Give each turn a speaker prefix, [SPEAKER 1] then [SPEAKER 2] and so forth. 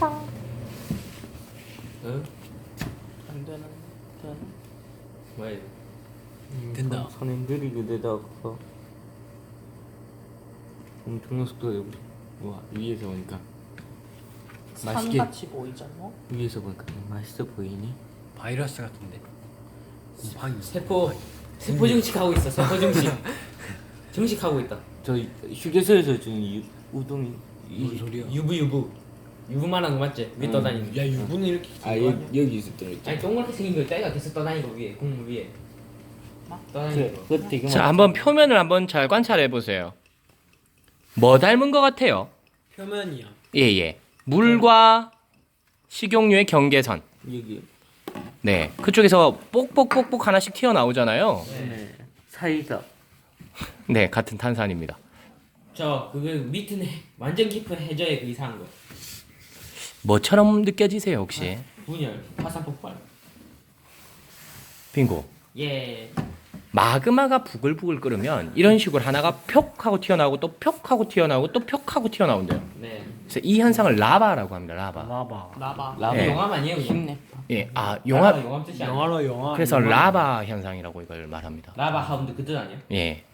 [SPEAKER 1] 응?
[SPEAKER 2] 안 되는.
[SPEAKER 1] 왜?
[SPEAKER 2] 된다.
[SPEAKER 3] 선행 느리게 되다가 엄청난 속도에 우리 와 위에서 보니까 맛있게
[SPEAKER 2] 산같이 보이잖아.
[SPEAKER 3] 위에서 보니까 맛있어 보이니?
[SPEAKER 2] 바이러스 같은데. 곰팡이.
[SPEAKER 1] 세포 증식하고 있어. 세포 증식. 증식하고 있다.
[SPEAKER 3] 저 휴게소에서 지금 우동이
[SPEAKER 2] 뭔 소리야?
[SPEAKER 1] 유부만한 거 맞지? 위에 떠다니는.
[SPEAKER 2] 야 유부는 이렇게.
[SPEAKER 3] 여기 있을 때
[SPEAKER 1] 아니 동그랗게 생긴 거 있다. 계속 떠다니고 위에 국물 위에. 막 떠다니는 거.
[SPEAKER 3] 그거 되게
[SPEAKER 4] 자, 한번 표면을 한번 잘 관찰해 보세요. 뭐 닮은 것 같아요?
[SPEAKER 2] 표면이야.
[SPEAKER 4] 예. 물과 식용유의 경계선.
[SPEAKER 3] 여기
[SPEAKER 4] 네. 그쪽에서 뽁뽁뽁뽁 하나씩 튀어나오잖아요.
[SPEAKER 3] 네. 사이다
[SPEAKER 4] 네, 같은 탄산입니다.
[SPEAKER 1] 그게 밑은 완전 깊은 해저에 그 이상한 거.
[SPEAKER 4] 뭐처럼 느껴지세요, 혹시?
[SPEAKER 1] 분열, 화산 폭발.
[SPEAKER 4] 빙고.
[SPEAKER 1] 예.
[SPEAKER 4] 마그마가 부글부글 끓으면 이런 식으로 하나가 벽 하고 튀어나오고 또 벽 하고 튀어나오고 또 벽 하고 튀어나온대요.
[SPEAKER 1] 네.
[SPEAKER 4] 그래서 이 현상을 라바라고 합니다. 라바.
[SPEAKER 2] 나봐.
[SPEAKER 1] 라바
[SPEAKER 4] 네.
[SPEAKER 1] 용암 아니에요? 그냥?
[SPEAKER 3] 힘내
[SPEAKER 4] 예,
[SPEAKER 1] 라바
[SPEAKER 4] 용암.
[SPEAKER 1] 용암 뜻이 아니야.
[SPEAKER 2] 영화로 영화.
[SPEAKER 4] 그래서 라바 현상이라고 이걸 말합니다.
[SPEAKER 1] 라바 하운드 그 뜻 아니야?
[SPEAKER 4] 예.